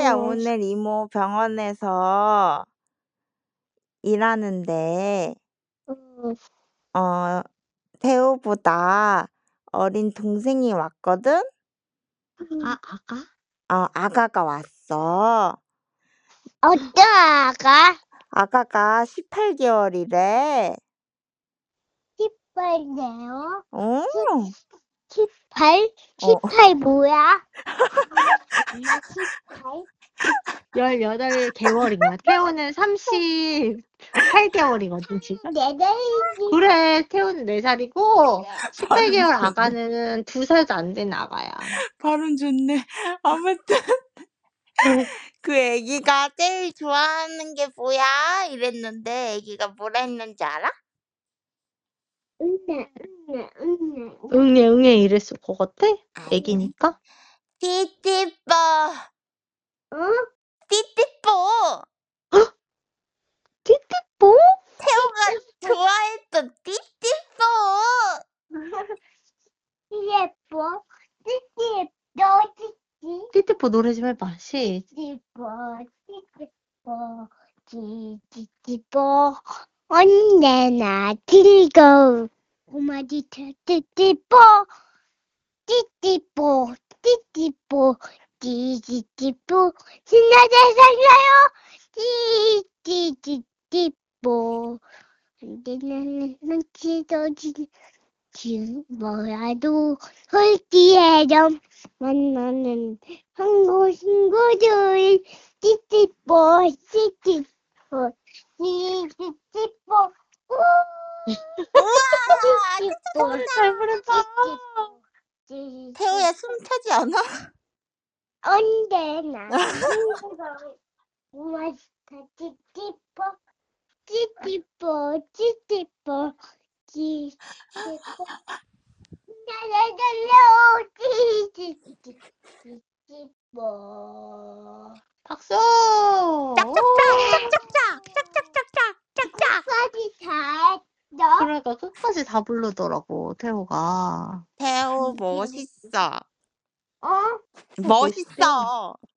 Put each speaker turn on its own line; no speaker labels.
태호야, 오늘 이모 병원에서 일하는데, 태호보다 어린 동생이 왔거든?
아가?
아가가 왔어.
어떤 아가?
아가가 18개월이래.
18네요?
어,
18? 18 뭐야? 엄마 18?
18개월인가? 태호는 38개월이거든, 지금.
내 나이지.
그래, 태호는 4살이고, 18개월 아가는 2살도 안 된 아가야.
발음 좋네. 아무튼, 그 애기가 제일 좋아하는 게 뭐야? 이랬는데, 애기가 뭐라 했는지 알아?
응애.
응애 이랬을 것 같아? 애기니까?
띠띠뽀,
어?
띠띠뽀.
띠띠뽀?
태호가 좋아했던 띠띠뽀.
예뻐. 찌찌, 너 찌찌.
띠띠뽀 노래 좀 해봐. 시작.
찌찌뽀. 언제나 즐거운 꼬마지 찌찌뽀. 찌찌뽀, 찌찌뽀. 신나게 살려요. 찌찌뽀. 언제나 넘치도지. 뭐라도 홀기에점 만나는 한국 친구들 찌찌뽀 찌찌뽀
우와,
잘 부른다.
태호야 숨 차지 않아?
언제나 고맙다 찌찌뽀 찌찌뽀
박수!
짝짝짝.
끝까지 잘
그러니까 끝까지 다 부르더라고, 태호가.
태호 멋있어.
어?
멋있어.